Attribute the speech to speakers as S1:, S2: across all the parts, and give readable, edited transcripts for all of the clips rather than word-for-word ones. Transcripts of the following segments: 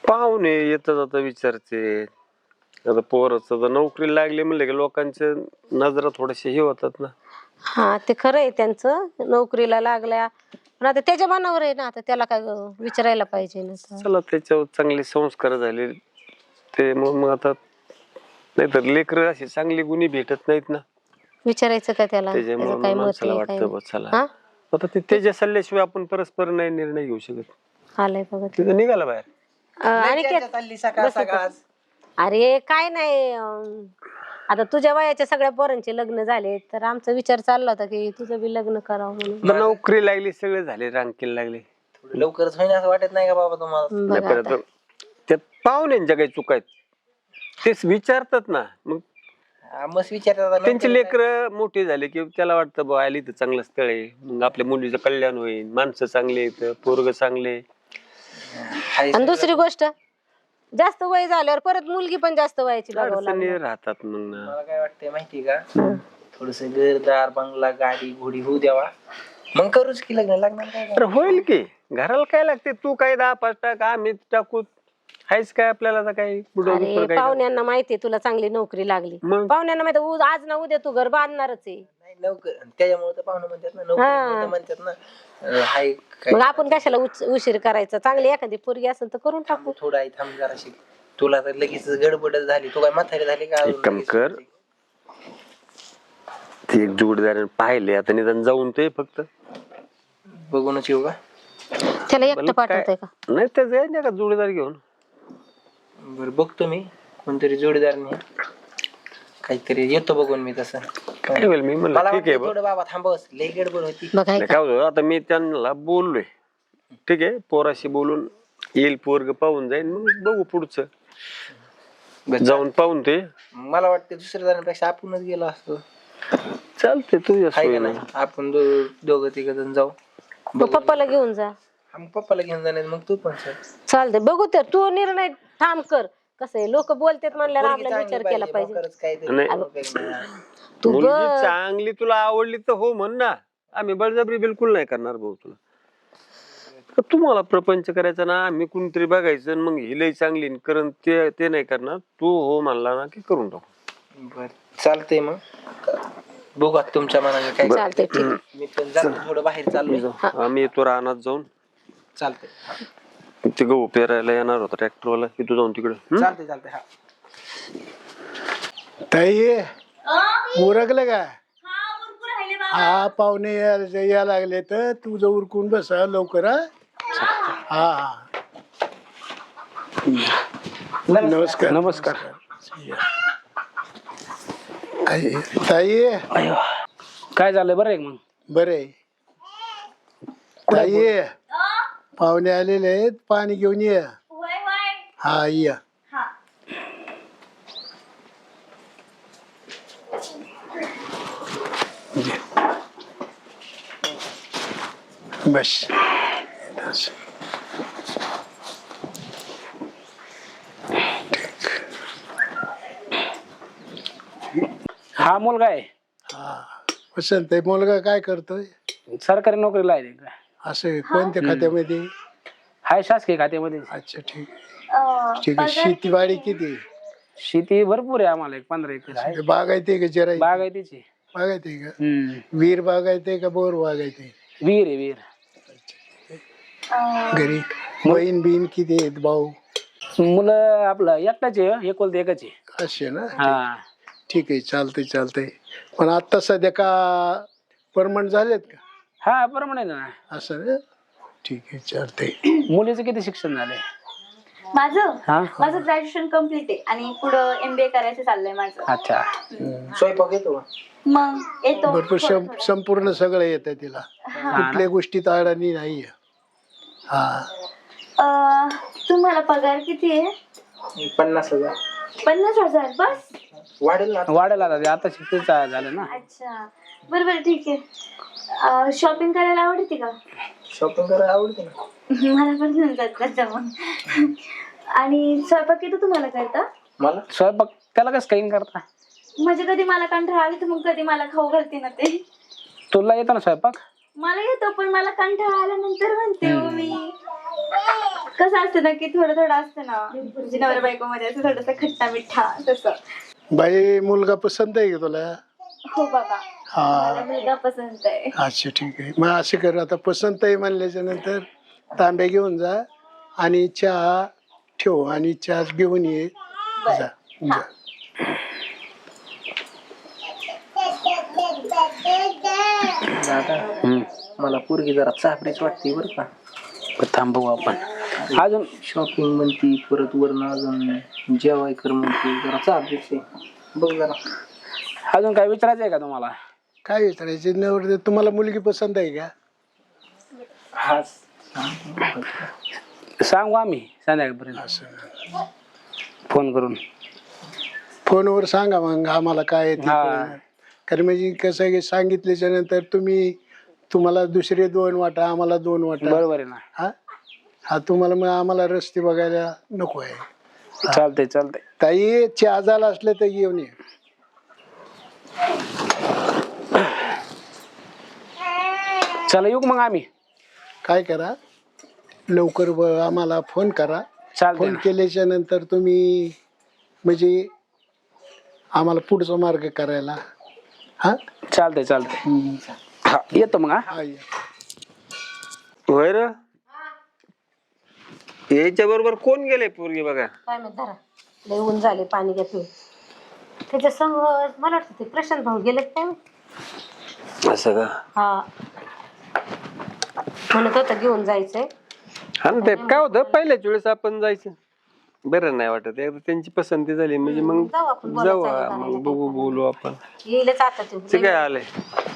S1: पाहुणे येता जाता विचारते. आता पोराचं तर नोकरी लागली म्हणले की लोकांच्या नजरा थोडेसे हे होतात ना.
S2: हा ते खरं आहे त्यांचं, नोकरीला लागल्या पण आता त्याच्या मनावर आहे ना. आता त्याला काय विचारायला पाहिजे ना.
S1: चला त्याच्यावर चांगले संस्कार झाले ते मग आता, नाहीतर लेकर अशी चांगली गुणी भेटत नाहीत ना.
S2: विचारायचं का त्याला, त्याचं
S1: त्याच्यामुळे
S2: काय मत
S1: माणसाला
S2: आहे काय
S1: वाटतं चला
S2: हा.
S1: आता ते त्याच्या सल्ल्याशिवाय आपण परस्पर नाही निर्णय घेऊ शकत.
S2: आलंय बघा
S1: तिथं निघाला बाहेर.
S2: आणि अरे काय नाही आता तुझ्या वयाच्या सगळ्या पोरांचे लग्न झाले तर आमचा विचार चालला होता की तुझं बी लग्न करावं म्हणून.
S1: नोकरी लागली, सगळे झाले, रांकीला लागले.
S3: लवकरच होईन असं वाटत नाही का बाबा तुम्हाला?
S2: बघा आता.
S1: त्यात पाहुण्यांच्या काही चुका आहेत तेच विचारतात ना. मग
S3: मस्त विचारतात
S1: त्यांचे लेकर मोठे झाले की त्याला वाटतं बा आली तर चांगलं स्थळ आहे, मग आपल्या मुलीचं कल्याण होईल, माणसं चांगले आहेत, पोरग चांगले.
S2: आणि दुसरी गोष्ट जास्त वय झाल्यावर परत मुलगी पण जास्त वयाची बघावं
S1: अडचणी
S2: लागणार.
S1: राहतात. मग
S3: मला काय वाटतंय माहिती का, थोडस घरदार बंगला गाडी घोडी होऊ द्यावा, मग करूच की लग्न. लागणार काय
S1: तर होईल की. घराला काय लागते, तू काय 10-5 टाक, आम्ही टाकू, हायच काय आपल्याला आता काही
S2: अरे पाहुण्यांना माहितीये तुला चांगली नोकरी लागली,
S1: मग
S2: पाहुण्यांना माहिती आज ना उद्या तू घर बांधणारच आहे.
S3: नाही नोकर, त्याच्यामुळे तर पाहुणे म्हणतात ना, नोकरी म्हणतात ना. हाय काय
S2: मग आपण कशाला उशीर करायचा, चांगली एखादी पोरगी असेल तर करून टाकू.
S3: थोडा आहे थांब जराशी. तुला तर लगेच गडबड झाली, तू काय म्हातारी झाली का?
S1: एक काम कर, ते एक जोडीदार पाहिले आता निदान जाऊन ते फक्त
S3: बघूनच येऊ का?
S2: त्याला एकटं पाठवतंय का?
S1: नाही त्याच आहे का जोडीदार घेऊन.
S3: बर बघतो मी कोणतरी जोडीदार नाही, काहीतरी येतो बघून मी. तसं
S1: काय होईल मी म्हणलं
S3: मला
S1: ठीक आहे
S3: वाटतं बाबा थांबवस, लई गडबड होती.
S2: बघाय
S1: काय होतं आता मी त्यांना बोललोय, ठीक आहे पोराशी बोलून येईल, पोरग पाहून जाईल, मग बघू पुढचं. जाऊन पाहून ते
S3: मला वाटतं दुसऱ्या जणांपेक्षा आपणच गेलो असतो.
S1: चालते तुझ्या
S3: हाय का
S1: सोयीनं.
S3: नाही? आपण दोघं तिघ जण जाऊ.
S2: मग पप्पाला घेऊन जा.
S3: मग पप्पाला घेऊन जाणार, मग तू पण सर.
S2: चालतंय बघू तर तू निर्णय ठाम कर. कसं आहे लोक बोलतात म्हणल्यावर आपला विचार केला पाहिजे. तू
S1: मुलगी
S2: बघ
S1: चांगली तुला आवडली तर हो म्हण ना, आम्ही बळजबरी बिलकुल नाही करणार भाऊ तुला. तुम्हाला प्रपंच करायचा ना, आम्ही कोणतरी बघायचं मग हिलही चांगली करण ते नाही करणार. तू हो म्हणला ना की करून टाकू.
S3: बर चालतंय, मग बघू आता तुमच्या मनाने काय.
S2: चालतंय ठीक आहे.
S3: मी पण जातो थोडं बाहेर चाललोय.
S1: आम्ही येतो रानात जाऊन.
S3: चालतंय.
S1: ते गहू पेरायला येणार होता ट्रॅक्टरवाला, तिथं जाऊन तिकडे.
S3: चालतंय हा.
S4: ताई उरकलं का? हा पाहुणे या लागले तर तुझं उरकून बसा लवकर. हा हा नमस्कार.
S5: नमस्कार.
S4: ताई
S5: काय झालंय बरं आहे मग?
S4: बरे ताई पाहुणे आलेले आहेत, पाणी घेऊन ये. हा या. बस
S5: हा मुलगा आहे,
S4: हा वसंत आहे. मुलगा काय करतोय?
S5: सरकारी नोकरीला आहे.
S4: असं कोणत्या खात्यामध्ये?
S5: हाय शासकीय खात्यामध्ये.
S4: अच्छा ठीक ठीक आहे. शेतीवाडी किती?
S5: शेती भरपूर आहे आम्हाला, 15 एकर आहे.
S4: बागायते का जरा?
S5: बागायतीची.
S4: बागायते का? वीर बागायते का बोर बागायते?
S5: विहीर आहे विहीर.
S4: घरी बहीण बिन किती आहेत? भाऊ
S5: मुलं आपलं एकटाच आहे, एकुलते एकच आहे.
S4: असे ना?
S5: हा
S4: ठीक आहे चालतंय चालतंय. पण आता सध्या का परमनंट झालेत का?
S5: हा परमनंट ना.
S4: असं ना? ठीक आहे चालतंय.
S5: मुलीचं किती शिक्षण झालंय?
S6: माझं ग्रॅज्युएशन कम्प्लीट आहे आणि पुढं MBA करायचं चाललंय माझं.
S5: अच्छा.
S3: स्वयंपाक येतो
S6: मग येतो
S4: भरपूर संपूर्ण सगळं येतं तिला, कुठल्या गोष्टीत अडाणी नाहीये. हा
S6: तुम्हाला पगार किती आहे?
S3: 50,000.
S6: 50,000 बस?
S3: वाढेल ना.
S5: वाढेल आता शिक्षण झालं ना.
S6: अच्छा बरोबर ठीक आहे. शॉपिंग करायला आवडते का?
S3: शॉपिंग करायला आवडते ना.
S6: मला पण घेऊन जात मग. आणि स्वयंपाक येतो तुम्हाला करता?
S3: मला
S5: स्वयंपाक त्याला कसं काही करता?
S6: म्हणजे कधी मला कंटाळा आला तर मग कधी मला खाऊ घालते ना ते.
S5: तुला येतं ना स्वयंपाक?
S6: मला येतो पण मला कंटाळा आल्यानंतर म्हणते हो मी कसं असतं ना की थोडं थोडं असतं ना म्हणजे नवरा बायको मध्ये असं थोडस खट्टा मिठा तसं.
S4: बाई मुलगा पसंत आहे का तुला?
S6: हो बाबा,
S4: हा
S6: मला मुलगा पसंत आहे.
S4: अच्छा ठीक आहे. मग असे कर, आता पसंत आहे म्हणल्याच्या नंतर तांबे घेऊन जा आणि चहा ठेव आणि चहा घेऊन ये. जा जा.
S3: दादा मला पोरगी जरा चापरीच वाटते बरं का.
S5: थांब बघू आपण. अजून
S3: शॉपिंग म्हणती, परत वरनं अजून जेवाय कर म्हणते, जरा चापरीच आहे बघ जरा.
S5: अजून काय विचारायचं आहे का तुम्हाला?
S4: काय विचारायचे नवर, तुम्हाला मुलगी पसंत आहे का?
S3: हा
S5: सांगू आम्ही संध्याकाळपर्यंत
S4: असं
S5: फोन करून.
S4: फोनवर सांगा मग आम्हाला काय आहे ते
S5: हा.
S4: कळणार. कारण म्हणजे कसं आहे की सांगितल्याच्या नंतर तुम्हाला दुसरे 2 वाटा, आम्हाला 2 वाटा.
S5: बरोबर आहे ना.
S4: हा हा तुम्हाला मग आम्हाला रस्ते बघायला नको आहे.
S5: चालतंय चालतंय.
S4: ताई चहा झाला असले तर येऊन ये.
S5: चला येऊ मग आम्ही.
S4: काय करा लवकर आम्हाला फोन करा.
S5: चालतंय
S4: फोन
S5: ना.
S4: केल्याच्या नंतर तुम्ही म्हणजे आम्हाला पुढचा मार्ग करायला. हा
S5: चालतंय चालतंय. हा येतो मग. हा
S4: हा या.
S1: होय र, याच्या बरोबर कोण गेले पोरगी बघा?
S2: काय माहित, धरा लय ऊन झाले, पाणी घ्या पिऊन. त्याच्या संग मला वाटतं ते प्रशांत भाऊ गेले काय माहित.
S1: असं का?
S2: हा म्हणत होता घेऊन जायचंय.
S1: हा ना, ते काय होतं पहिल्याच वेळेस आपण जायचं बरं नाही वाटत. एकदा त्यांची पसंती झाली म्हणजे मग
S2: जाऊ आपण
S1: जाऊ,
S2: बोलायचं आहे
S1: मग बघू बोलू आपण.
S2: येईलच आता
S1: ते काय आलंय?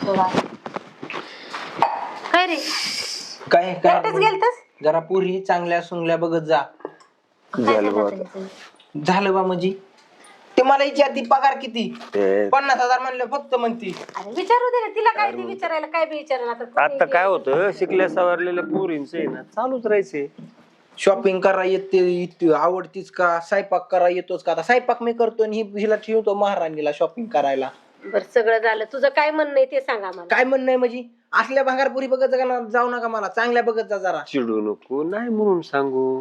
S2: काय रे
S3: काय
S2: एकटेच गेलतस?
S3: जरा पोरी चांगल्या सुंगल्या बघत जा.
S1: झालं बा आता.
S3: झालं बा म्हणजे ते मला विचारती पगार किती,
S1: ते
S3: 50,000 म्हणलं फक्त म्हणती.
S2: अरे विचारू दे ना तिला, काय ते विचारायला काय बी विचारा.
S1: आता काय होतं, शिकल्या सवरलेल्या पोरींचं आहे ना चालूच राहायचे.
S3: शॉपिंग करा येते, आवडतीच का, स्वयंपाक करा येतोच का. आता स्वयंपाक मी करतो आणि हिला ठेवतो महाराणीला शॉपिंग करायला.
S2: बर सगळं झालं, तुझं काय म्हणणं आहे ते सांगा मला.
S3: काय म्हणणं आहे म्हणजे असल्या भांगारपुरी बघत जाऊ नका, मला चांगल्या बघत जा जरा.
S1: चिडू नको, नाही म्हणून सांगू.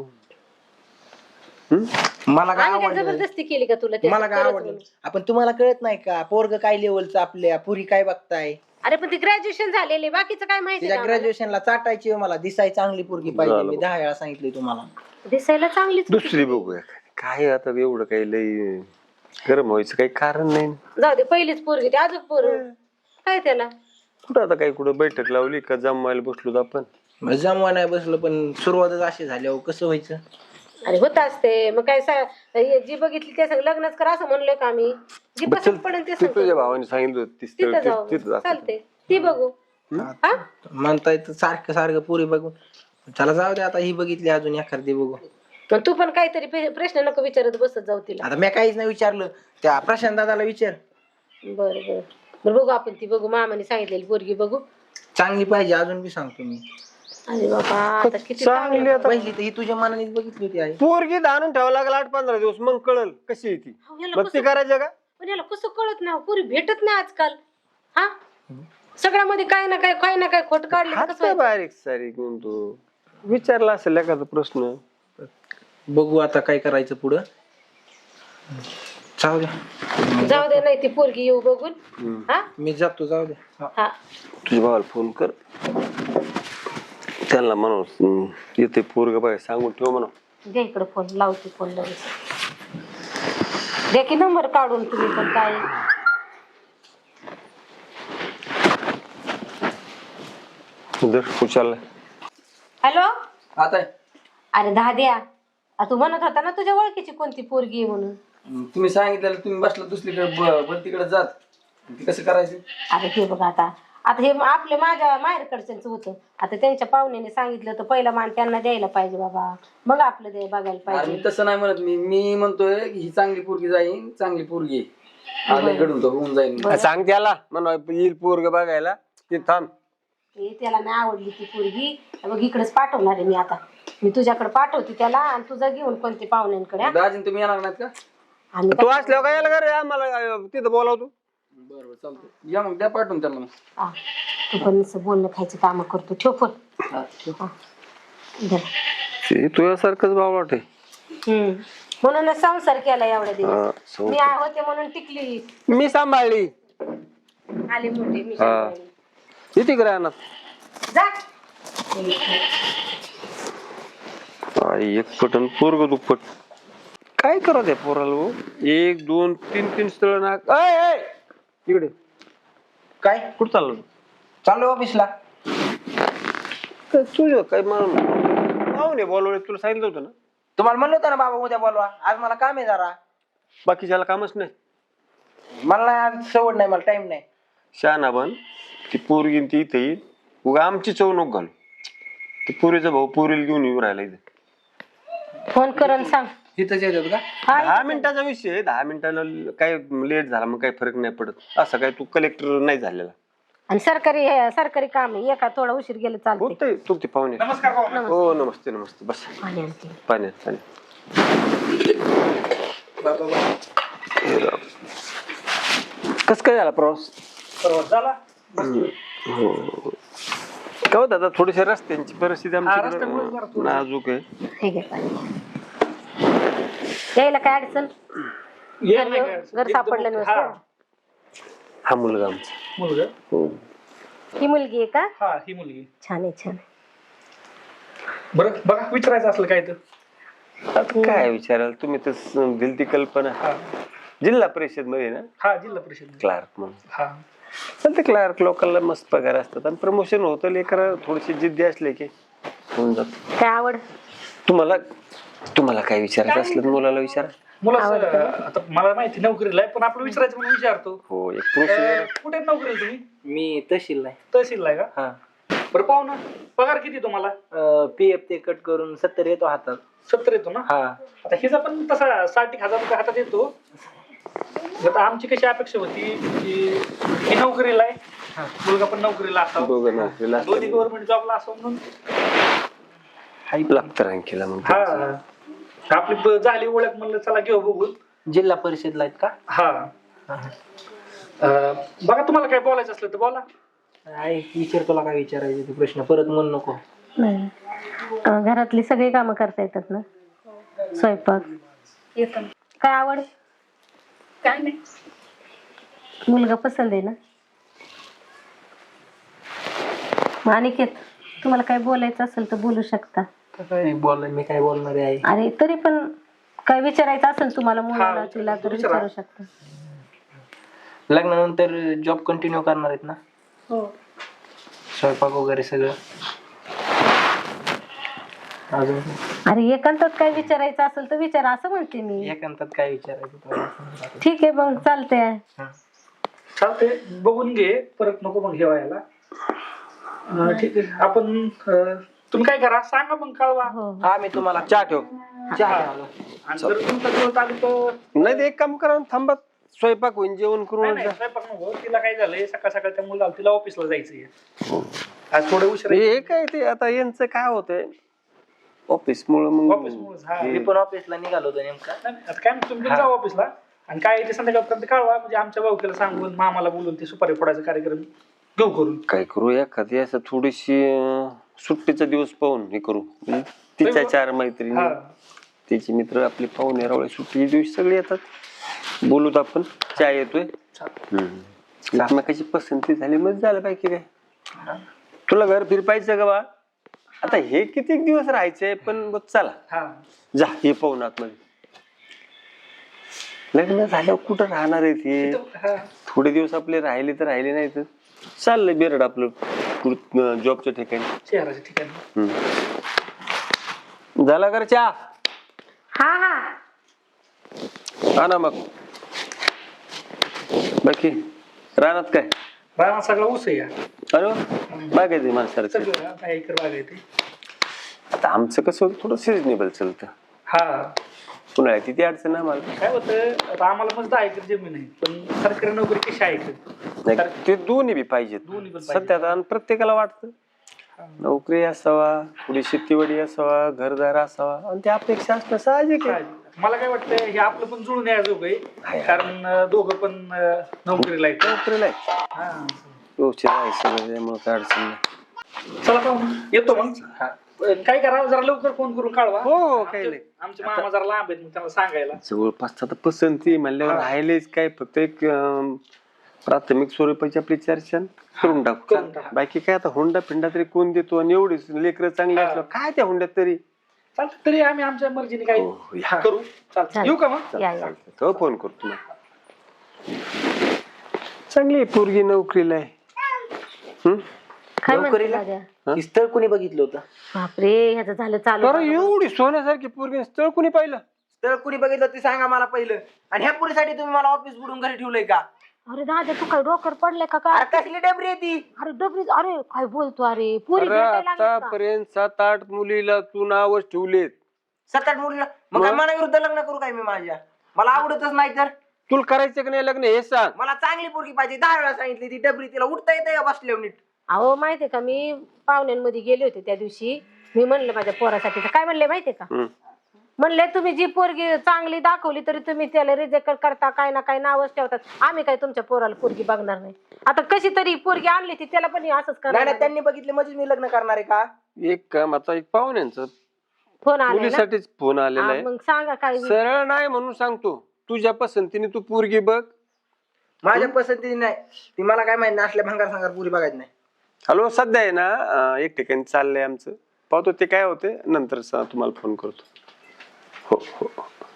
S3: मला काय
S2: आम्ही काय
S3: आवडलं,
S2: जबरदस्ती केली का तुला ते
S3: मला काय
S2: करत
S3: आवडलं.
S2: म्हणून?
S3: आपण तुम्हाला कळत नाही का पोरग काय लेवलचं, आपल्या पुरी काय बघताय.
S2: अरे पण ती ग्रॅज्युएशन झालेली, बाकीचं काय माहिती
S3: तिच्या
S2: का
S3: ग्रॅज्युएशनला चाटायची आहे मला. दिसाय चांगली पोरगी पाहिजे,
S1: झालं.
S3: मी 10 वेळा सांगितलंय तुम्हाला.
S2: आम्हाला? दिसायला चांगलीच होती.
S1: दुसरी बघूया. काय आता एवढं काही लई गरम व्हायचं काही कारण नाही.
S2: जाऊ दे, पहिलीच पोरगी ती, अजून पोर काय त्याला.
S1: कुठं आता काही कुठं बैठक लावली का जमवायला बसलो तर आपण?
S3: जमवा नाही बसलं, पण सुरुवातच अशी झाली अहो, कसं व्हायचं.
S2: अरे होत असते मग काय जी बघितली ते सांग लग्नच कर असं म्हणलोय का आम्ही. जी
S1: बरं,
S2: पसंत पडेल ते
S1: ते तुझ्या
S2: सांगतो.
S1: भावाने सांगितलं होतं ती स्थळ,
S2: तिथं जाऊ
S1: तिथं दाखव.
S2: चालते, ती बघू. हा
S3: म्हणताय तर सारखं सारखं पुरी बघून. चला जाऊ दे आता, ही बघितली अजून एखादी बघू.
S2: पण तू पण काहीतरी प्रश्न नको विचारत बसत जाऊ तिला.
S3: आता मी काहीच नाही विचारलं, त्या प्रशांत दादाला विचार.
S2: बरं बरं बरं बघू आपण, ती बघू, मामाने सांगितलेली पोरगी बघू.
S3: चांगली पाहिजे अजून बी सांगतो मी.
S2: अरे बाबा आता किती
S1: चांगली
S2: चांगलं.
S1: आता.
S3: पहिली तर ही तुझ्या मनानेच बघितली होती आई.
S1: पोरगी आणून ठेवावं लागेल 8-15 दिवस, मग कळल कशी आहे ती.
S2: अहो, याला
S1: मग ती
S2: कसं-
S1: करायचं का?
S2: पण याला कसं कळत नाही, पुरी भेटत नाही आजकाल. हा सगळ्यामध्ये काय ना काय खोट काढले तर कसं
S1: हात
S2: व्हायचं?
S1: बारीक सारीक म्हणून तू विचारला असेल एखादा प्रश्न.
S3: बघू आता काय करायचं पुढं. जाऊ दे,
S2: जाऊ दे, नाही ती पोरगी येऊ बघून. हा
S3: मी जातो, जाऊ दे.
S2: हा
S1: तुझ्या भावाला फोन कर, त्यांना म्हणून येते पोरग बघा, सांगून ठेव म्हणून.
S2: दे इकडे फोन, लावते फोन लगेच. दे की नंबर काढून तुम्ही पण काय.
S1: उचलला.
S2: हॅलो
S3: आता
S2: अरे दहा द्या. तू म्हणत होता ना तुझ्या ओळखीची कोणती पोरगी आहे म्हणून.
S5: तुम्ही सांगितलेलं तुम्ही बसला दुसरीकडे बंतीकडे जात, ते कसं करायचं?
S2: अरे हे बघ आता हे आपले माझ्या माहेरकडच्यांचं होतं. आता त्यांच्या पाहुण्याने सांगितलं तर पहिला मान त्यांना द्यायला पाहिजे बाबा, मग आपलं दे बघायला
S5: अरे
S2: पाहिजे.
S5: मी तसं नाही म्हणत, मी म्हणतोय की ही चांगली पोरगी जाईन, चांगली पोरगी आलं घडून तो होऊन जाईन.
S1: सांग त्याला म्हणा येईल पोरग बघायला, ते थांब.
S2: त्याला नाही आवडली ती पोरगी, मग इकडेच पाठवणार आहे मी आता. मी तुझ्याकडे पाठवते त्याला आणि तुझा घेऊन कोणते पाहुण्यांकडे. हा?
S5: दाजीन तुम्ही येणार नाहीत का?
S2: आम्ही
S1: तू असल्यावर काय यायला का रे आम्हाला तिथं बोलावतो?
S5: बरोबर चालतंय, या मग द्या पाठवून त्याला मग.
S2: हा, तू पण असं बोलणं खायची कामं करतो. ठेव फोन.
S5: हा, ठेव.
S2: हा. धर.
S1: ते तुझ्यासारखंच बावळट आहे.
S2: म्हणूनच संसार केला एवढ्या
S1: हा,
S2: दिवस.
S1: संसार.
S2: मी होते म्हणून टिकली.
S1: मी सांभाळली.
S2: आली मोठी मी
S1: हा.
S2: सांभाळली.
S1: किती राहणार
S2: जा.
S1: एक पटन पोरग दुप्पट. काय करा त्या पोराला हो? 1 2 3 3 स्थळ ना. इकडे
S3: काय
S1: कुठं चाललो?
S3: चालू ऑफिसला.
S1: तुझं काय पाहुणे बोलवले तुला सांगितलं होतं ना.
S3: तुम्हाला म्हणलं होतं ना बाबा उद्या बोलवा, आज मला काम आहे जरा.
S1: बाकीच्याला कामच नाही.
S3: मला नाही आज सवड नाही, मला टाइम नाही.
S1: शहाणा बन ती पोरगी ती इथे येईल. उगा आमची चव नको घालू. ती पोरीचा भाऊ पोरीला घेऊन येऊ राहिला इथे.
S2: फोन करून सांग.
S3: इथंच येतात का?
S1: 10 मिनिटाचा विषय आहे. 10 मिनिटाला काय लेट झाला मग काही फरक नाही पडत. असं काय तू कलेक्टर नाही झालेला.
S2: आणि सरकारी काम आहे. एका थोडा उशीर गेलं चालते.
S1: होतंय तुमचे पाहुणे. हो नमस्ते नमस्ते. बस
S2: पाणी आणते.
S1: पाण्यात. कस काय झाला प्रवास?
S7: झाला.
S1: हो काय होत आता थोडीशी रस्त्यांची परिस्थिती आमची नाजूक आहे.
S2: हे घे पाणी. यायला काय अडचण? घर सापडलं नसतं.
S1: हा मुलगा आमचा.
S7: मुलगा.
S1: हो.
S2: ही मुलगी आहे का?
S7: हा ही मुलगी.
S2: छान आहे छान आहे.
S7: बरं बघा विचारायचं असलं काय तर.
S1: आता काय विचाराल तुम्ही तर दिली ती कल्पना. जिल्हा परिषद मध्ये ना
S7: हा जिल्हा परिषद.
S1: क्लार्क म्हणून.
S7: हा
S1: ते क्लार्क लोकांना मस्त पगार असतात आणि प्रमोशन होतं. लेकर थोडीशी जिद्दी असले की होऊन जात.
S2: काय आवड?
S1: तुम्हाला काय विचारायचं असलं तर मुलाला विचारा.
S7: मुला आता मला माहिती नोकरीला आहे पण आपलं विचारायचं म्हणून विचारतो.
S1: हो एक पुरुष.
S7: कुठे नोकरीला तुम्ही?
S3: मी तहसील नाही.
S7: तहसीलला आहे का?
S3: हा.
S7: बरं पाहू ना पगार किती तुम्हाला?
S3: पीएफ ते कट करून 70 येतो हातात.
S7: 70 येतो ना?
S3: हा.
S7: आता हिचा पण तसा 60,000 रुपये हातात येतो. आता आमची कशी अपेक्षा होती की ही नोकरीला आहे मुलगा पण नोकरीला असावा.
S1: दोघं नोकरीला असतात.
S7: दोन्ही गव्हर्नमेंट जॉबला असावं म्हणून.
S1: लागतं रँकीला मग.
S7: हा आपली झाली ओळख म्हणलं चला घेऊ बघून.
S3: जिल्हा परिषदला आहेत का?
S7: हा बघा तुम्हाला काय बोलायचं असलं तर बोला.
S3: आहे विचार, तुला काय विचारायचे ते प्रश्न परत म्हणू नको.
S2: नाही. घरातली सगळी कामं करता येतात ना? स्वयंपाक?
S6: येतो.
S2: काय आवड?
S6: काय नाही.
S2: मुलगा पसंत आहे ना? अनिकेत तुम्हाला काय बोलायचं असेल तर बोलू शकता.
S3: काय बोलणार, मी काय बोलणार आहे.
S2: अरे तरी पण काय विचारायचं असेल तुम्हाला मुलाला तिला तर विचारू शकता.
S3: लग्नानंतर जॉब कंटिन्यू करणार आहेत ना?
S6: हो.
S3: स्वयंपाक वगैरे सगळं अजून?
S2: अरे एकांतात काय विचारायचं असेल तर विचारा असं म्हणते मी.
S3: एकांतात काय विचारायचं तुला?
S2: ठीक आहे मग चालतंय.
S7: चालते बघून घे परत नको मग घेवायला. ठीक आहे आपण तुम्ही काय करा सांगा मग कळवा.
S3: हा मी तुम्हाला
S1: चहा ठेव.
S7: आणि जर तुमचा दिवस आली तर
S1: नाही ते एक काम करा थांबा. स्वयंपाक होईन जेवण करून
S7: नाही स्वयंपाक नको. तिला काय झालंय सकाळ सकाळ त्या मुलाला तिला ऑफिसला जायचंय. आज थोडं उशीर
S1: हे काय ते आता यांचं काय होतंय ऑफिस मुळे मग
S7: ऑफिस मुळे.
S3: मी पण ऑफिसला निघालो होतो नेमका.
S7: आता काय नाही, तुम्ही जाऊ ऑफिसला आणि काय ते संध्याकाळपर्यंत कळवा म्हणजे आमच्या भाऊकीला सांगून मामाला बोलून ते सुपारी फोडायचा कार्यक्रम घेऊ करून.
S1: काय करू एखादी असं थोडीशी सुट्टीचा दिवस पाहून हे करू. तिच्या 4 मैत्रिणी तिचे मित्र आपले पाहुणे रावळे सुट्टी दिवशी सगळे येतात. बोलूत आपण. चहा येतोय. एकमेकाची पसंती झाली मग झालं पाहिजे. काय तुला घर फिर पाहिजे का बा? आता हे किती दिवस राहायचंय पण चला जा हे पाहून आतमध्ये. लग्न झाल्यावर कुठं राहणार आहे ते? थोडे दिवस आपले राहिले तर राहिले नाही तर चाललंय बेरड आपलं जॉबच्या ठिकाणी.
S7: शहराच्या ठिकाणी
S1: झाला कर चहा?
S2: हा हा
S1: हा ना मग. बाकी रानात काय?
S7: राणा सगळा ऊस आहे.
S1: अरे बागायचं माणसाला.
S7: सगळं काय एकर बाग आहे ते.
S1: आता आमचं कसं थोडं सिजनेबल चालतं.
S7: हा
S1: उन्हाळ्यात किती अडचण आहे मला.
S7: काय होतं आता आम्हाला मस्त 10 एकर जमीन आहे पण सरकारी नोकरी कशी आहे
S1: नाही ते दोन्ही बी पाहिजेत.
S7: दोन्ही पण पाहिजे.
S1: सध्या आणि प्रत्येकाला वाटतं नोकरी असावा थोडी शेतीवाडी असावा घरदार असावा आणि त्या अपेक्षा असणं साहजिक आहे.
S7: मला काय वाटतं हे आपलं पण जुळून यायजोग आहे कारण दोघं पण नोकरीला आहेत.
S1: नोकरीला आहे व्यवस्थित आहे सगळं त्यामुळे काय अडचण नाही.
S7: चला पाहू येतो मग. काय करा जरा लवकर फोन करून कळवा.
S1: हो काही नाही.
S7: आमचे मामा जरा लांब आहेत मग त्यांना सांगायला.
S1: जवळपास आता पसंती म्हणल्यावर राहिलेच काय फक्त एक प्राथमिक स्वरूपाची आपली चर्चा करून टाकू. बाकी काय आता हुंडा फिंडा तरी कोण देतो आणि एवढीच लेकरं चांगली असलं काय त्या हुंड्यात तरी
S7: चालतं तरी आम्ही आमच्या मर्जीने काय
S1: हो, या.
S7: करू. चालतं येऊ का मग?
S2: या या.
S1: तो फोन करतो तुम्हाला. चांगली आहे पोरगी नोकरीला आहे.
S2: काय म्हणते
S3: नोकरीला?
S2: दाद्या?
S3: ही स्थळ कोणी बघितलं होतं?
S2: बापरे ह्याचं झालं चालू.
S1: बरं एवढी सोन्यासारखी पोरगी स्थळ कुणी पाहिलं?
S3: स्थळ कोणी बघितलं ते सांगा मला पहिलं. आणि ह्या पुरीसाठी तुम्ही मला ऑफिस बुडून घरी ठेवलंय का?
S2: अरे दादा तू काय डोकर पडले का काय?
S3: अरे कसली डबरी आहे ती?
S2: अरे डबरी अरे काय बोलतो अरे पुरी
S1: अरे
S2: भेटायला लागली का?
S1: आतापर्यंत 7-8 मुलीला तू नावच ठेवलेत.
S3: 7-8 मुलीला मग काय मनाविरुद्ध लग्न करू काय मी माझ्या? मला आवडतच नाही तर.
S1: तुला करायचं की नाही लग्न हे सांग.
S3: मला चांगली पोरगी पाहिजे. 10 वेळा सांगितली ती डबरी तिला उठता येते का बसल्यावर नीट?
S2: अहो माहितीये का मी पाहुण्यांमध्ये गेले होते त्या दिवशी. मी म्हणलं माझ्या पोरासाठी तर काय म्हणले माहितीये का? म्हणले तुम्ही जी पोरगी चांगली दाखवली तरी तुम्ही त्याला रिजेक्ट करता काय ना काय नावच ठेवतात. आम्ही काय तुमच्या पोराला पोरगी बघणार नाही. आता कशी तरी पोरगी आणली ती त्याला पण असंच
S3: नाही
S2: करणार.
S3: नाही त्यांनी बघितले म्हणजे मी लग्न करणार आहे का?
S1: एक काम आता एक पाहुण्यांचा
S2: फोन आला
S1: मुलीसाठीच फोन आलेला आहे.
S2: मग सांगा काय.
S1: सरळ नाही म्हणून सांगतो. तुझ्या पसंतीने तू पोरगी बघ.
S3: माझ्या पसंतीने नाही. ती मला काय माहिती असल्या भंगार सांगार पुरी बघायची नाही.
S1: हॅलो सध्या आहे ना एक ठिकाणी चाललंय आमचं. पाहतो ते काय होते नंतर तुम्हाला फोन करतो. हो हो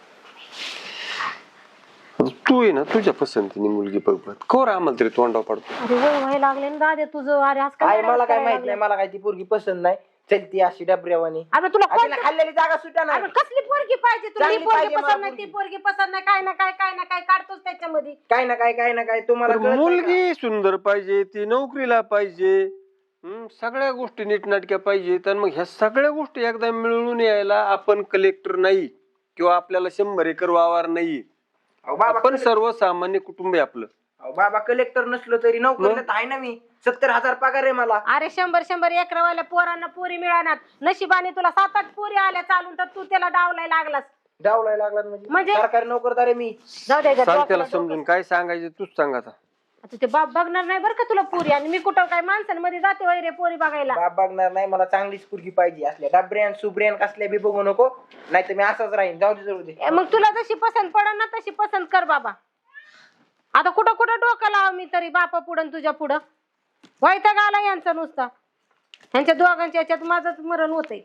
S1: तू आहे ना तुझ्या पसंतीने मुलगी बघ बघ कोर आम्हाला तरी तोंडावर पडतो.
S2: अरे वय व्हायला लागले ना दादा तुझं. अरे आज
S3: काय
S2: काय
S3: मला काय माहित नाही. मला काय ती पोरगी पसंत नाही. चलती अशी डबऱ्यावानी.
S2: अरे तुला
S3: तिला खाल्लेली जागा सुटा नाही.
S2: अरे कसली पोरगी पाहिजे तुला? ही
S3: चांगली
S2: पोरगी
S3: पाहिजे
S2: पसंत
S3: मला
S2: नाही ती पोरगी पसंत नाही काय ना काय काढतोच त्याच्यामध्ये.
S3: काय ना काय तुम्हाला कळत नाही का?
S1: मुलगी सुंदर पाहिजे ती नोकरीला पाहिजे. सगळ्या गोष्टी नीटनाटक्या पाहिजे. तर मग ह्या सगळ्या गोष्टी एकदा मिळून यायला आपण कलेक्टर नाही किंवा आपल्याला 100 एकर वावर नाही.
S3: अहो बाबा
S1: आपण सर्वसामान्य कुटुंब आहे आपलं.
S3: अहो बाबा कलेक्टर नसलो तरी नोकरीला तर आहे ना मी. 70,000 पगार आहे मला.
S2: अरे 100 एकरवाल्या पोरांना पोरी मिळणार. नशिबाने तुला 7-8 पोरी आल्या चालून तर तू त्याला डावलाय लागलास.
S3: डावलाय लागला म्हणजे सरकारी नोकरदार आहे मी.
S2: जाऊ दे
S1: सांग त्याला समजून काय सांगायचं तूच सांग आता.
S2: आता ते बाप बघणार नाही बरं का तुला पोरी. आणि मी कुठं काय माणसांमध्ये जाते वगैरे पोरी बघायला.
S3: बाप बघणार नाही. मला चांगलीच पोरगी पाहिजे. असल्या डबऱ्यान सुब्रियान कसल्या बी बघू नको. नाही तर मी असाच राहीन. जाऊ दे.
S2: मग तुला जशी पसंत पडन ना तशी पसंत कर बाबा. आता कुठं कुठं डोकं लाव मी तरी बापा पुढं तुझ्या पुढं. वैताग आला यांचा नुसता. ह्यांच्या दोघांच्या याच्यात माझंच मरण होतंय.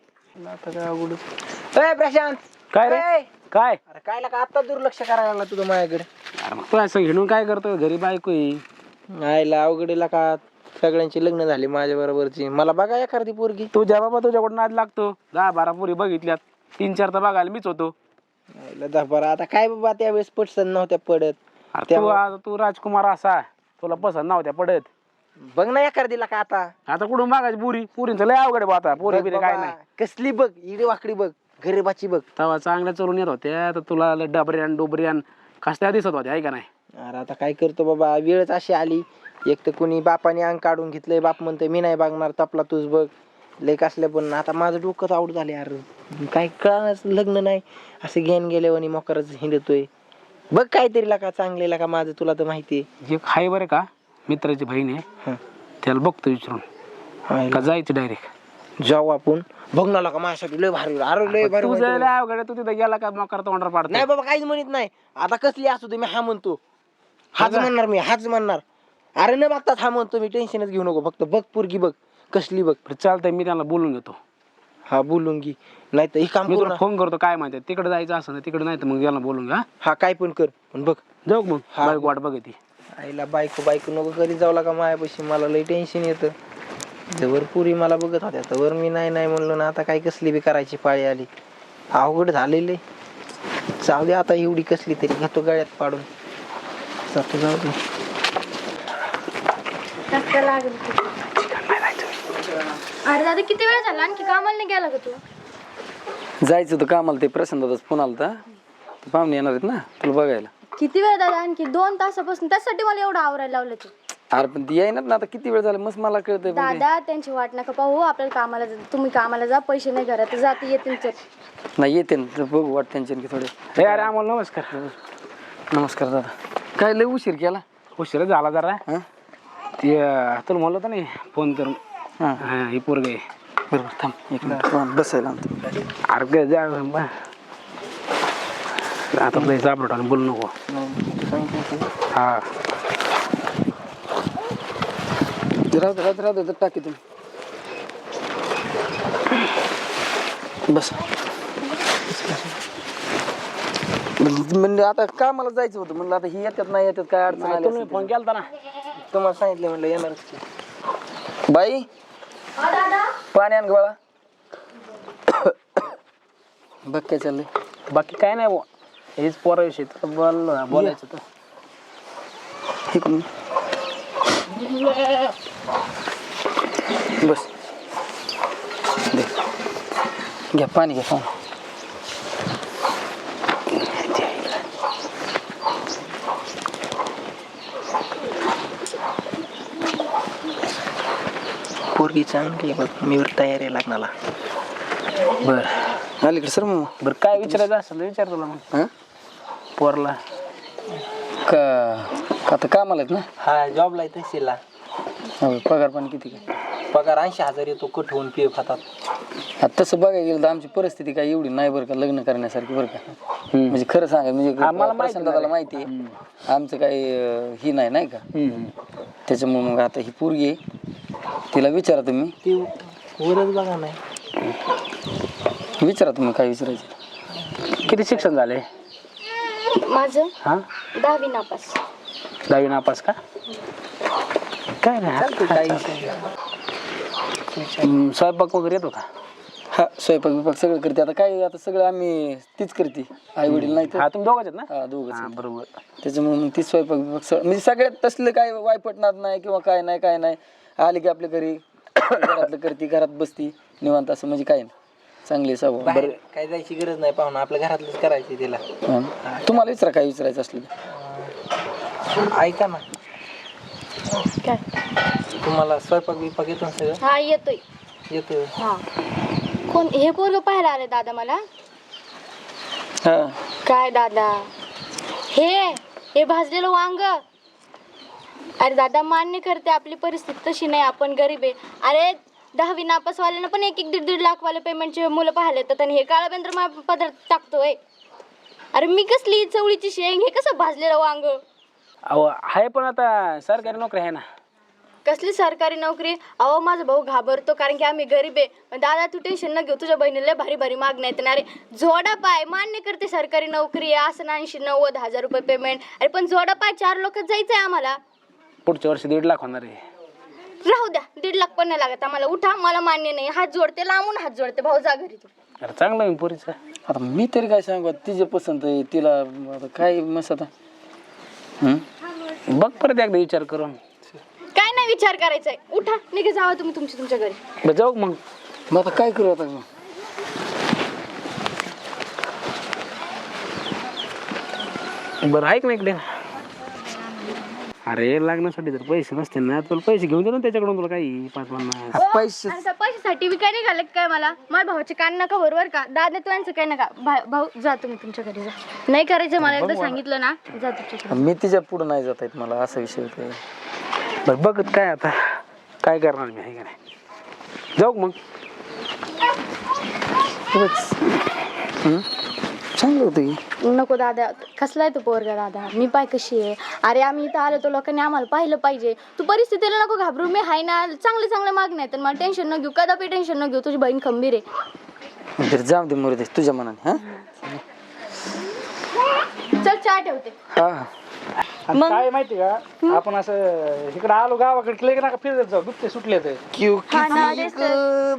S3: ए प्रशांत
S8: काय रे?
S3: ए,
S8: काय
S3: अरे काय लागा आता दुर्लक्ष करायला लागला तुझं माझ्याकडे?
S8: अरे मग तू असं हिंडून काय करतोय? घरी बायको आहे.
S3: आईला अवघडीला का सगळ्यांची लग्न झाली माझ्या बरोबरची. मला बघा एखादी पोरगी.
S8: तुझ्या बाबा तुझ्याकडून नाद लागतो. 10-12 पोरी बघितल्यात. 3-4 तर बघायला मीच होतो.
S3: आईला 10-12 आता काय बाबा त्यावेळेस पटसन नव्हत्या पडत.
S8: अरे तू राजकुमार असा तुला पसंत नव्हत्या पडत.
S3: बघ ना एखादीला का आता.
S8: आता कुठून बघायची पुरींचं लय अवघड आहे बा आता. पोरी
S3: बघ
S8: बिरी काय
S3: बाबा,
S8: नाही.
S3: कसली बघ इडी वाकडी बघ गरीबाची बघ.
S8: तेव्हा चांगल्या चरून येत होत्या तर तुला डबऱ्यान डोबऱ्यान कसल्या दिसत होत्या आहे का नाही?
S3: अरे आता काय करतो बाबा वेळच अशी आली. एक तर कुणी बापाने अंग काढून घेतलंय. बाप म्हणतोय मी नाही बघणार तपला तूच बघ. लय कसल्या पण आता माझं डोकं आवड झाले. अरे काय कळणार लग्न नाही असं घेऊन गेल्यावर मोकरच हिंडतोय. बघ काहीतरी लाका चांगले का माझं तुला तर माहिती
S8: एक हाय बरं का मित्राची बहीण आहे. त्याला बघतो विचारून का जायचं डायरेक्ट.
S3: जाऊ आपण बघ ना का माझ्यासाठी लय भारी. अरे लय भारी
S8: तुझं
S3: म्हणतोय.
S8: लय अवघड आहे. तू तिथे गेला का मकर तोंडावर पाडतो.
S3: नाही बाबा काहीच म्हणत नाही. आता कसली असू दे मी हा म्हणतो. हाच म्हणणार मी हाच म्हणणार. अरे न बघताच हा म्हणतो मी. टेन्शनच घेऊ नको. फक्त बघ पोरगी बघ कसली बघ.
S8: चालतंय मी त्यांना बोलून घेतो.
S3: हा बोलून घे. नाही तर हे काम
S8: मी
S3: करू
S8: तुला
S3: ना.
S8: फोन करतो काय माहिती तिकडे जायचं असं ना तिकडे नाही तर मग याला बोलून घ्या.
S3: हा काय पण कर पण बघ.
S8: जाऊ मग
S3: हा.
S8: बायको वाट बघ ती.
S3: आईला बायको नको कधी जाऊ लागा मायापाशी. मला लय टेन्शन येतं. जवळ पुरी मला बघत होत्या तर मी नाही म्हणलो ना. आता काय कसली बी करायची पाळी आली. अवघड झालेले. जाऊ दे आता एवढी कसली तरी घेतो गळ्यात पाडून. जातो जाऊ दे.
S6: अरे दादा किती वेळ झाला आणखी कामाला नाही गेला का तू?
S5: जायचं होतं कामाला. ते प्रशांत दादाच फोन आला होता. पाहुणे येणार आहेत ना तुला बघायला.
S6: किती वेळ दादा आणखी 2 तासापासून त्यासाठी मला एवढं आवरायला लावलं तू.
S5: अरे पण ती येणार ना आता किती वेळ झाला मस्त मला कळतंय. पण ते-
S6: दादा त्यांची वाट नका पाहू. आपल्याला कामाला तुम्ही कामाला जा. पैसे नाही घरात जाते येतील तर.
S5: नाही येते ना बघू वाट त्यांच्या की थोडे.
S8: हे अरे आम्हाला नमस्कार.
S5: नमस्कार दादा. काय लय उशीर केला?
S8: उशीर झाला जरा.
S5: हा
S8: ते तुला म्हणलं होतं नाही फोन करून.
S5: हा
S8: हा ही पोरग आहे
S5: बरोबर थांब एक मिनिट बसायला आणतो.
S8: अरे काय जा बा. आता तुला सापडत आणि बोलू नको. हा
S5: राहू टाकी तुम्ही बस. म्हणजे आता कामाला जायचं होतं म्हणलं आता ही येतात नाही येतात काय अडचण आली
S8: तुम्ही
S5: असेल
S8: फोन केलता ना.
S3: तुम्हाला सांगितलं म्हणलं येणारच की.
S5: तर. बाई पाणी आण गोळा. बघ काय चाललंय.
S8: बाकी काय नाही बुवा. हेच पोराविषयी बोलायचं तर.
S5: इकडून बस दे. घ्या पाणी घ्या पाणी.
S3: पोरगी चांगली आहे बघ, मी तयारी लागणार.
S8: बरं
S5: अलीकडे सर मग
S8: बरं काय विचारायचं असेल तर विचार तुला मग.
S5: हां
S8: पोरला
S5: का आता कामाला आहेत ना.
S3: हा जॉबला आहे तहसीलला.
S5: हो, पगार पण किती काय.
S3: पगार 80,000 येतो, कट होऊन पी खातात.
S5: आता तसं बघायला गेलं तर आमची परिस्थिती काय एवढी नाही बरं का लग्न करण्यासारखी बरं का. म्हणजे खरं सांगा म्हणजे
S8: आम्हाला माहिती
S5: प्रसन्न माहिती आहे आमचं काही ही नाही का. त्याच्यामुळे मग आता ही पोरगी आहे तिला विचारा तुम्ही.
S3: ती वरच बघा नाही.
S5: विचारा तुम्ही काय विचारायचं.
S8: किती शिक्षण झाले.
S6: माझं
S8: हा
S6: 10वी नापास.
S8: 10वी नापास का. काय नाही स्वयंपाक वगैरे येतो का.
S5: हा स्वयंपाक बिपाक सगळं करते. आता काय आता सगळं आम्ही तीच करते. आई वडील नाही तर
S8: हा तुम्ही दोघंच आहेत ना.
S5: हा दोघंच.
S8: बरोबर.
S5: त्याच्यामुळे मग ती स्वयंपाक बिपाक म्हणजे सगळ्यात तसलं काय वायपटणार नाही किंवा काय नाही आली की आपल्या घरी घरातलं करते घरात बसती निवांत असं म्हणजे काय नाही चांगली सवय.
S3: बाहेर काय जायची गरज नाही पाहुणा, आपल्या घरातलंच करायचं तिला.
S5: तुम्हाला विचारा काय विचारायचं असलं तर.
S3: ऐका ना,
S6: काय
S3: तुम्हाला स्वयंपाक बिपाक येतो ना सगळं.
S6: हा येतोय.
S3: येतो.
S6: हा कोण हे पोरग पाहायला आले दादा मला.
S5: हा
S6: काय दादा हे भाजलेलं वांग. अरे दादा मान्य करते आपली परिस्थिती तशी नाही, आपण गरीब आहे. अरे 10वी नापासवाल्यांना पण 1-1, 1.5 लाख वाले पेमेंटचे मुलं पाहायला येतात आणि हे काळाबेंद्र पदार्थ टाकतोय. अरे मी कसली चवळीची शेंग, हे कसं भाजलेलं वांग.
S8: अहो आहे पण आता सरकारी नोकरी आहे ना.
S6: कसली सरकारी नोकरी. अहो माझा भाऊ घाबरतो कारण की आम्ही गरीब आहे. पण दादा तू टेन्शन न घेऊ, तुझ्या बहिणीला भारी भारी मागण्या येते. अरे जोडा पाय मान्य करते सरकारी नोकरी आहे असं 80-90,000 रुपये पेमेंट. अरे पण जोडा पाय 4 लोक जायचंय आम्हाला.
S8: पुढच्या वर्षी 1.5 लाख होणार आहे.
S6: राहू द्या 1.5 लाख पण नाही लागत आम्हाला. उठा, मला मान्य नाही. हात जोडते, लांबून हात जोडते. भाऊ जा घरी तू.
S8: अरे चांगलं आहे पोरीचं.
S5: आता मी तरी काय सांगू तिचे पसंत आहे तिला आता काय मस्त आता.
S8: बघ परत एकदा विचार करून.
S6: काय नाही विचार करायचा आहे. उठा निघे जावा तुम्ही तुमच्या घरी.
S8: बरं जाऊ मग.
S5: मग आता काय करू आता.
S8: बरं ऐक ना इकडे. अरे लग्नासाठी जर पैसे नसते ना तुला पैसे घेऊन दे ना त्याच्याकडून. तुला काही 5-50
S5: पैसे
S6: आणि त्या पैशासाठी बी काय नाही घालत काय मला. माझ्या भावाचे कान नका बरोबर का. दादा तू यांचं काय नका. भाऊ जा तुम्ही तुमच्या घरी जा. नाही करायचं मला एकदा सांगितलं ना. जा तुमच्या घरी.
S5: मी तिच्या पुढे नाही जात आहेत मला असा विषय होतो.
S8: बरं बघत काय आता काय करणार मी आहे का नाही. जाऊ मग.
S5: चांगलं होतं.
S6: नको दादा, कसला आहे तू पोरगा दादा. मी पाय कशी आहे. अरे आम्ही इथं आलो तो लोकांनी आम्हाला पाहिलं पाहिजे. तू परिस्थितीला नको घाबरू. मी हाय ना. चांगले मागण्या आहेत. मला टेन्शन न घेऊ, कदापि टेन्शन न घेऊ. तुझी बहीण खंबीर आहे.
S5: तर जाऊ दे मुरुदे तुझ्या मनाने. हा
S6: चल चहा ठेवते.
S5: हा
S8: आणि काय माहिती का आपण असं इकडे आलो गावाकडे केलं की ना फिरत जाऊ. दुखते सुटले तर.
S6: हा ना, तेच तर.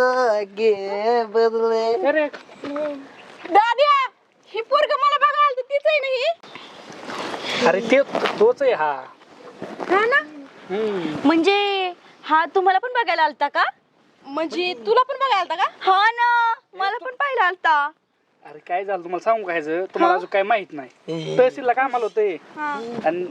S8: अरे
S6: दादा ही पोरग मला बघायला आलती, तीच आहे ना ही.
S8: अरे ते तोच आहे हा.
S6: हा ना. म्हणजे हा तुम्हाला पण बघायला आलता का. म्हणजे तुला पण बघायला आलता का. हा ना मला पण पाहायला आलता.
S8: अरे काय झालं तुम्हाला सांगू काय तुम्हाला अजून काय माहित नाही. तहसीलला कामाला होते आणि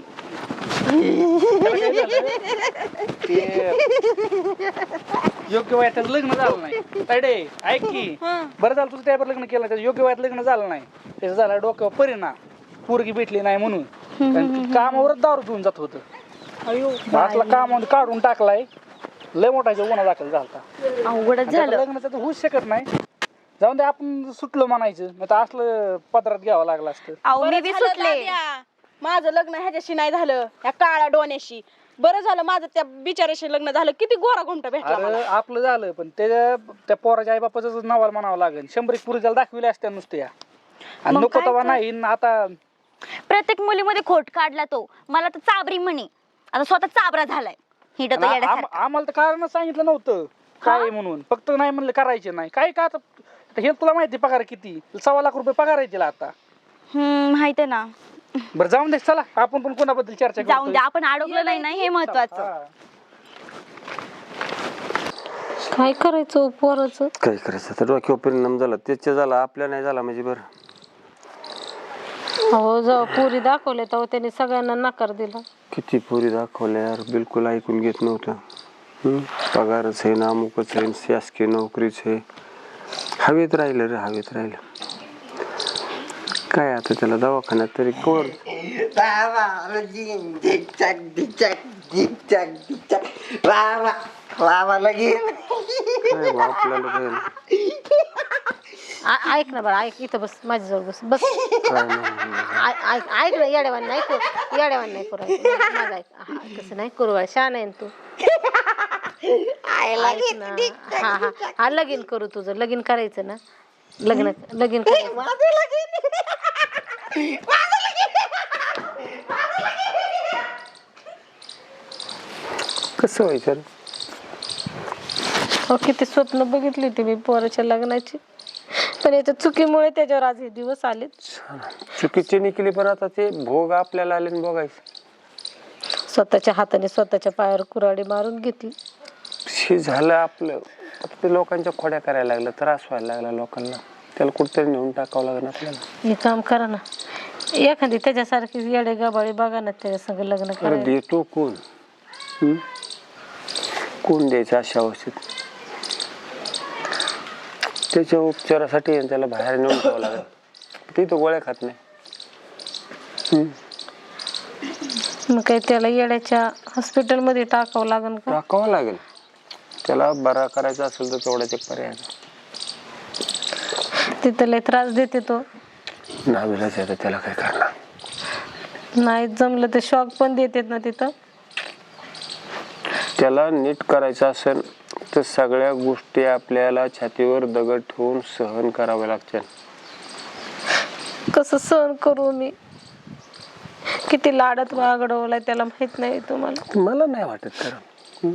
S8: ते योग्य वयात त्याचं लग्न झालं नाही. तायडे ऐक की बरं झालं तुझं त्यावर लग्न केलं. त्याचं योग्य वयात लग्न झालं नाही. त्याचं झालं डोक्यावर परिणाम. पोरगी भेटली नाही म्हणून कामावरच दारू पिऊन जात होतं. असला कामावर काढून टाकलाय. लय मोठा गुन्हा दाखल झाला.
S6: अवघडच
S8: आता
S6: झालं.
S8: लग्नाचं तर होऊच शकत नाही. जाऊन दे, आपण सुटलो म्हणायचं, नाही तर असलं पदरात घ्यावं लागलं असतं.
S6: अहो मी बी
S9: बरं झालं
S6: सुटले.
S9: दाद्या, माझं लग्न ह्याच्याशी नाही झालं, ह्या काळ्या डोण्याशी. बरं झालं माझं त्या बिचाऱ्याशी लग्न झालं. किती गोरा घुमटा भेटला मला.
S8: अरे आपलं झालं, पण त्या पोराच्या आई बापाचं नावाला म्हणावं लागेल. 100 एक पुरी त्याला दाखविले असत्या नुसत्या, आणि
S6: मग
S8: नको
S6: काय
S8: तेव्हा
S6: तर?
S8: नाही. न आता
S6: प्रत्येक मुलीमध्ये खोट काढला तो. मला तर चाबरी म्हणे, आता स्वतः चाबरा झालाय. हिट तो येड्यासारखा.
S8: आम्हाला तर कारण सांगितलं नव्हतं काय आहे म्हणून, फक्त नाही म्हणलं करायचे नाही. काय का आता हे तुला माहिती पगार किती, 1.25 लाख रुपये पगार आहे तिला आता.
S6: माहितीये ना.
S8: बरं जाऊन दे, चला आपण पण कोणाबद्दल चर्चा
S6: जाऊन
S8: करू.
S6: द्या, आपण अडकलो नाही ना, हे महत्वाचं.
S2: काय करायचं पोराचं?
S1: काय करायचं तर डोक्यावर परिणाम झाला, त्याच्या झाला, आपल्या नाही झाला म्हणजे बरं.
S2: हो, जेव्हा पुरी दाखवले तेव्हा त्यांनी सगळ्यांना नकार दिला.
S1: किती पोरी दाखवल्या यार, बिलकुल ऐकून घेत नव्हतं. पगारच आहे ना, अमुकच आहे, शासकीय नोकरीच आहे. हवेत राहिलं रे, हवेत राहिलं. काय आता त्याला दवाखान्यात तरी कोण काय बा आपल्याला कळलं.
S2: ऐक ना बरं, ऐक इथं बस, माझ्याजवळ बस बस.
S1: काय नाही.
S2: ऐक ना, येड्यावान नाही करू, येड्यावान नाही करू. माझं ऐक. हा, तसं नाही करू बाळा, छान आहे ना तू. ऐक ना. हा हा हा, लगीन करू तुझं, लगीन करायचं ना, लगीन करायचं.
S1: कसं व्हायचं रे?
S2: हो, किती स्वप्न बघितली होती मी पोराच्या लग्नाची, पण याच्या चुकीमुळे त्याच्यावर आज हे दिवस आलेत.
S1: चुकीची निघली, पण आता ते भोग आपल्याला आले आणि बघायचं.
S2: स्वतःच्या हाताने स्वतःच्या पायावर कुऱ्हाडी मारून घेतली.
S1: हे झालं आपलं. आता ते लोकांच्या खोड्या करायला लागलं, त्रास व्हायला लागला लोकांना. त्याला कुठतरी नेऊन टाकावं लागेल आपल्याला.
S2: हे काम करा ना, एखादी त्याच्यासारखी येडे गबाळी बघा ना, त्याच्या संग लग्न
S1: अरे
S2: करा.
S1: देतो कोण? कोण द्यायचं अशा अवस्थेत? त्याच्या उपचारासाठी त्याला बाहेर नेऊन ठेवावं लागेल. ती तो गोळ्या खात नाही.
S2: मग काय त्याला येड्याच्या हॉस्पिटलमध्ये टाकावं लागेल का?
S1: टाकावं लागेल. त्याला बरा करायचा असेल तर तेवढाच एक पर्याय.
S2: तिथं लय त्रास देते तो.
S1: नाविलाज आहे, त्याला काय करणार.
S2: नाही जमलं तर शॉक पण देतात ना तिथं.
S1: त्याला नीट करायचं असेल तर सगळ्या गोष्टी आपल्याला छातीवर दगड ठेवून सहन कराव्या लागतील.
S2: कसं सहन करू मी? किती लाडात वागडवलाय त्याला माहित नाही तुम्हाला.
S1: मला नाही वाटत करा.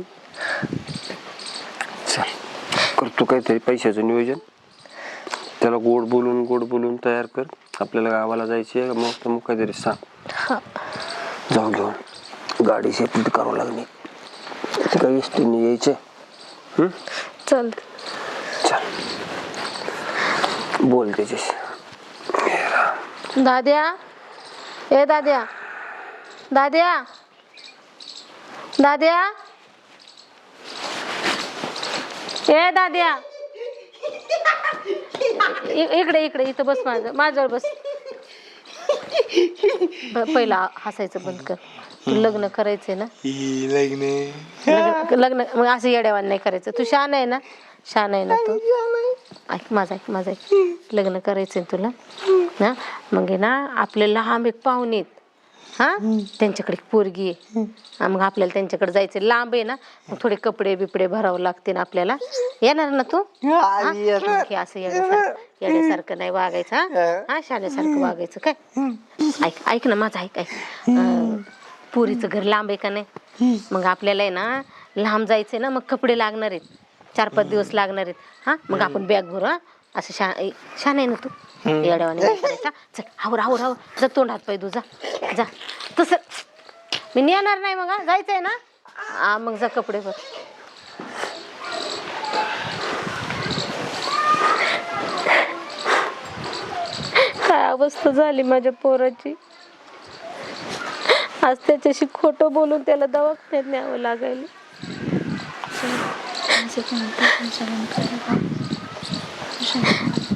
S1: चल करतो काहीतरी पैशाचं नियोजन. त्याला गोड बोलून तयार कर. आपल्याला गावाला जायचे, मग काहीतरी सांग. जाऊ घेऊन गाडी सेपरेट करावं लागणे. ते काही एसटीने यायचे.
S2: चल
S1: चल बोल त्याच्याशी.
S2: दाद्या, ए दाद्या, दाद्या, दाद्या, ए दाद्या, इकडे इकडे इथं बस, माझ्यावर बस. पहिला हसायचं बंद कर. तू लग्न करायचंय ना? लग्न मग असं येड्यावान नाही करायचं. तू शान आहे ना, शान आहे ना तू. ऐक माझं ऐक. लग्न करायचंय तुला ना, मग आहे ना आपले लांब एक पाहुणे आहेत, हा त्यांच्याकडे एक पोरगी आहे. मग आपल्याला त्यांच्याकडे जायचं, लांब आहे ना, मग थोडे कपडे बिपडे भरावं लागते ना आपल्याला. येणार ना तू? असं येण्यासारखं नाही वागायचं. हा शाण्यासारखं वागायचं. काय ऐक ना माझं ऐक. पुरीचं घर लांब आहे का नाही, मग आपल्याला आहे ना लांब जायचंय ना, मग कपडे लागणार आहेत, 4-5 दिवस लागणार आहेत. हा मग आपण बॅग भरू. हा असं शान आहे ना तू, येड्यावाने नाही करायचा. चल आवर जा, तोंड हात पाय जा जा. तसं मी नेणार नाही. मग जायचंय ना, मग जा कपडे भर. काय अवस्था झाली माझ्या पोराची. आज त्याच्याशी खोटं बोलून त्याला दवाखान्यात न्यावं लागायला.